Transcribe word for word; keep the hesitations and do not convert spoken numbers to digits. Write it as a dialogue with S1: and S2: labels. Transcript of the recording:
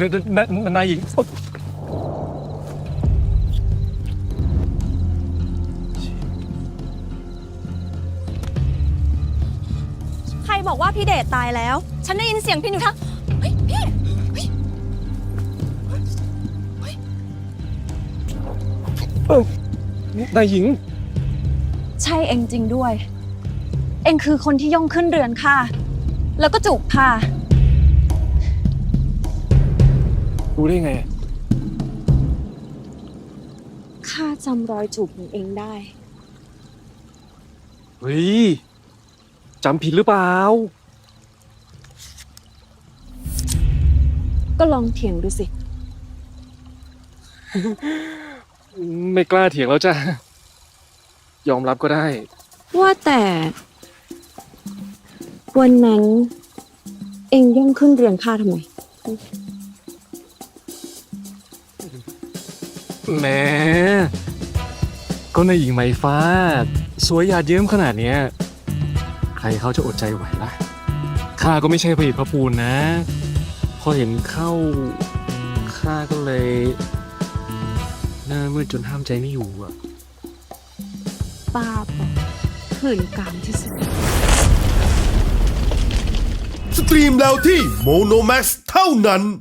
S1: นายหญิง
S2: ใครบอกว่าพี่เดชตายแล้วฉันได้ยินเสียงพี่อยู่ทั้งเฮ้ยพี่เฮ้ย
S1: เออนายหญิง
S2: ใช่เองจริงด้วย เองคือคนที่ย่องขึ้นเรือนค่ะแล้วก็จูบค่ะ
S1: รู้ได้ไง
S2: ข้าจำรอยจูบของเองได้
S1: เฮ้ยจำผิดหรือเปล่า
S2: ก็ลองเถียงดูสิ
S1: ไม่กล้าเถียงแล้วจ้ะยอมรับก็ได้
S2: ว่าแต่วันนั้นเองย่องขึ้นเรือนข้าทำไม
S1: แหมก็นายหญิงไหมฟ้าสวยหยาดเยิ้มขนาดเนี้ยใครเขาจะอดใจไหวล่ะข้าก็ไม่ใช่ผลิตพระปูนนะพอเห็นเข้าข้าก็เลยหน้ามืดจนห้ามใจไม่อยู่อ่ะ
S2: ป้าบอกขืนกามที่สุด
S3: สตรีมแล้วที่โมโนแม็กซ์เท่านั้น